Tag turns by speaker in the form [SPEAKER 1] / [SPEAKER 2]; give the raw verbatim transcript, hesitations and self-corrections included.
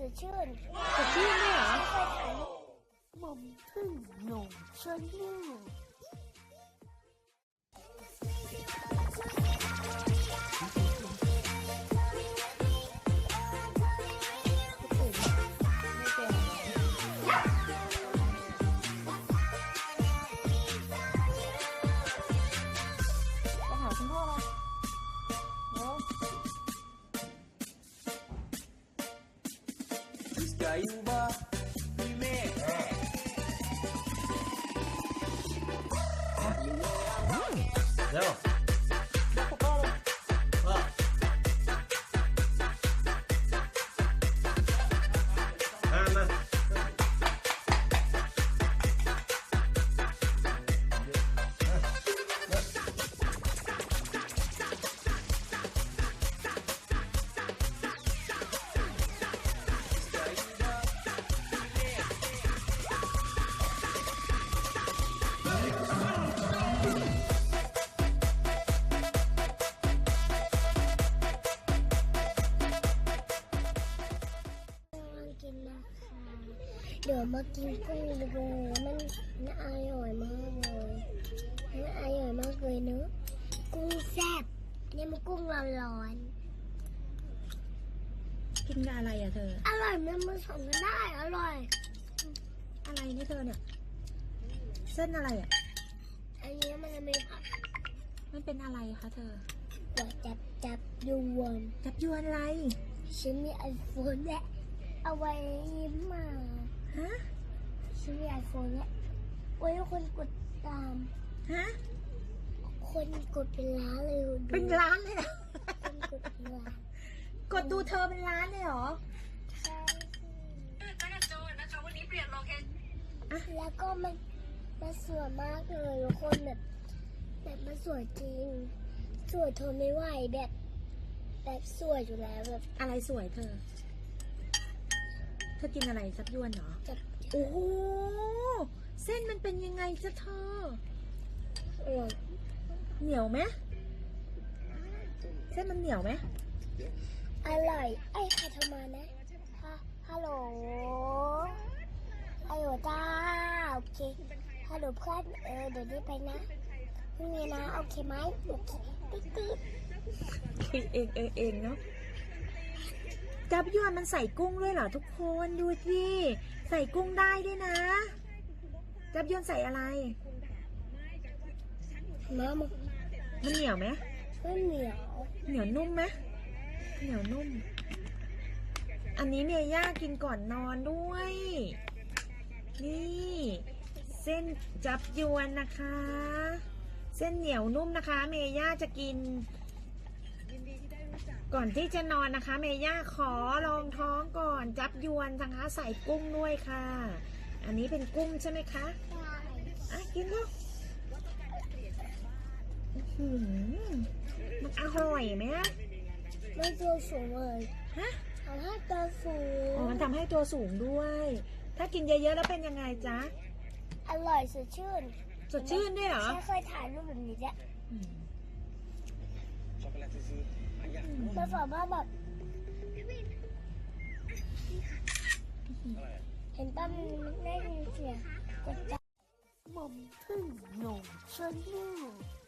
[SPEAKER 1] สดชื่น
[SPEAKER 2] สดชื่นด้วยเหรอ
[SPEAKER 1] ไม่เคยถ่ายรูปหม่อมพึ่งหนุ่มชนลูก
[SPEAKER 3] Caiuba Primeira Não
[SPEAKER 1] เดี๋ยวมากินกุ้งดูมันน่าอร่อยมากเลยมันอร่อยมากเลยเนอะกุ้งแซ่บนี่มันกุ้งร้อน
[SPEAKER 2] ๆกินกับอะไรอ่ะเธอ
[SPEAKER 1] อร่อยมันผสมกันได้อร่อย
[SPEAKER 2] อะไรนี่เธอเนี่ยเส้นอะไรอ่ะ
[SPEAKER 1] อันนี้มันจะมีผัก
[SPEAKER 2] มันเป็นอะไรคะเธอ
[SPEAKER 1] จับจับจับยวน
[SPEAKER 2] จับยวนอะไร
[SPEAKER 1] ฉันมีไอโฟนและเอาไว้ยิ้มมา
[SPEAKER 2] ฮะ
[SPEAKER 1] ฉันมีไอโฟนเนี่ยไว้คนกดตาม
[SPEAKER 2] ฮะ
[SPEAKER 1] คนกดเป็นล้านเลย
[SPEAKER 2] เป็นล้านเลยนะ
[SPEAKER 1] คนกดเป็นล้าน
[SPEAKER 2] กดดูเธอเป็นล้านเลยเหรอ
[SPEAKER 1] ใช่
[SPEAKER 4] นักโจนนะคะวันนี้เปลี่ยนโลเคชั่น
[SPEAKER 1] แล้วก็มันมันสวยมากเลยทุกคนแบบแบบมันสวยจริงสวยทนไม่ไหวแบบแบบสวยอยู่แล้วแบบ
[SPEAKER 2] อะไรสวยเธอเธอกินอะไรจับยวนเหรอ
[SPEAKER 1] จับ
[SPEAKER 2] โอ้โหเส้นมันเป็นยังไงจ๊ะเธอ
[SPEAKER 1] อร่อย
[SPEAKER 2] เหนียวไหมเส้นมันเหนียวไหม
[SPEAKER 1] อร่อยไอ้ใครโทรมานะฮัลโหลฮัลโหลจ้าโอเคฮัลโหลเพื่อนเออเดี๋ยวนี้ไปนะพรุ่งนี้นะโอเคไหมโอเคติ๊ดติ๊ด
[SPEAKER 2] คิดเองเองเองเนาะจับยวนมันใส่กุ้งด้วยเหรอทุกคนดูสิใส่กุ้งได้ด้วยนะจับยวนใส่อะไร
[SPEAKER 1] น้ำ
[SPEAKER 2] มันเหนียวไหม
[SPEAKER 1] ไม่เหนียว
[SPEAKER 2] เหนียวนุ่มไหมเหนียวนุ่มอันนี้เมย่ากินก่อนนอนด้วยนี่เส้นจับยวนนะคะเส้นเหนียวนุ่มนะคะเมย่าจะกินก่อนที่จะนอนนะคะเมย่าขอลองท้องก่อนจับยวนนะคะใส่กุ้งด้วยค่ะอันนี้เป็นกุ้งใช่ไหมคะอ่ะกินลูกมันอร่อยไหม
[SPEAKER 1] มันตัวสูงเลย
[SPEAKER 2] ฮะ
[SPEAKER 1] ทำให้ตัวสูง
[SPEAKER 2] อ๋อมันทำให้ตัวสูงด้วยถ้ากินเยอะๆแล้วเป็นยังไงจ๊ะ
[SPEAKER 1] อร่อยสดชื่น
[SPEAKER 2] สดชื่นด้วยเหรอ
[SPEAKER 1] ฉันเคยถ่ายรูปแบบนี้แหละมันสามารถแบบเห็นตั้มได้ยินเสียงกดจับหม่อมพึ่งหนุ่มชนลูก